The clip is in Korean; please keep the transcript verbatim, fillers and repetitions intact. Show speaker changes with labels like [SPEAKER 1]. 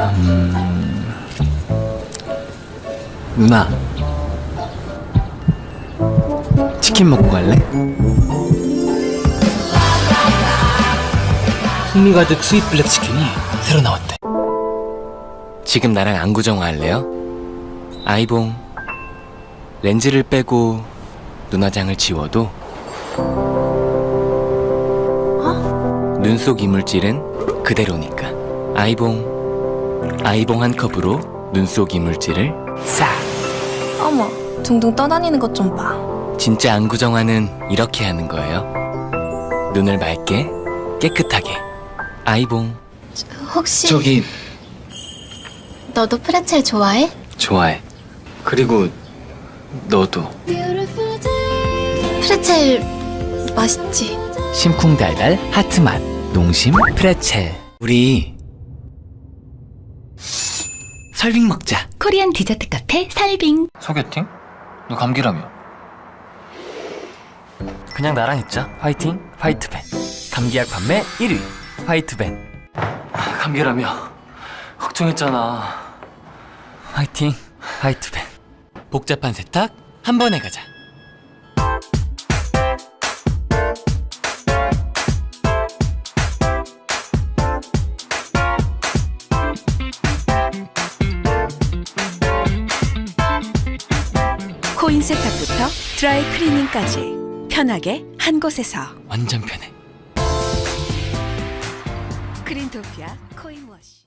[SPEAKER 1] 음... 누나, 치킨 먹고 갈래?
[SPEAKER 2] 풍미 가득 스윗 블랙 치킨이 새로 나왔대.
[SPEAKER 1] 지금 나랑 안구정화 할래요? 아이봉, 렌즈를 빼고 눈화장을 지워도 어? 눈 속 이물질은 그대로니까. 아이봉, 아이봉 한 컵으로 눈 속 이물질을 싹.
[SPEAKER 3] 어머, 둥둥 떠다니는 것 좀 봐.
[SPEAKER 1] 진짜 안구정화는 이렇게 하는 거예요. 눈을 맑게 깨끗하게. 아이봉.
[SPEAKER 3] 혹시
[SPEAKER 1] 저기
[SPEAKER 3] 너도 프레첼 좋아해?
[SPEAKER 1] 좋아해. 그리고 너도.
[SPEAKER 3] 프레첼 맛있지?
[SPEAKER 1] 심쿵달달 하트맛 농심 프레첼. 우리 설빙 먹자.
[SPEAKER 4] 코리안 디저트 카페 설빙.
[SPEAKER 1] 소개팅? 너 감기라며. 그냥 나랑 있자. 화이팅 화이트벤. 감기약 판매 일 위 화이트벤. 감기라며 걱정했잖아. 화이팅 화이트벤. 복잡한 세탁 한 번에 가자.
[SPEAKER 4] 코인 세탁부터 드라이 클리닝까지 편하게 한 곳에서.
[SPEAKER 1] 완전 편해.
[SPEAKER 4] 그린토피아 코인 워시.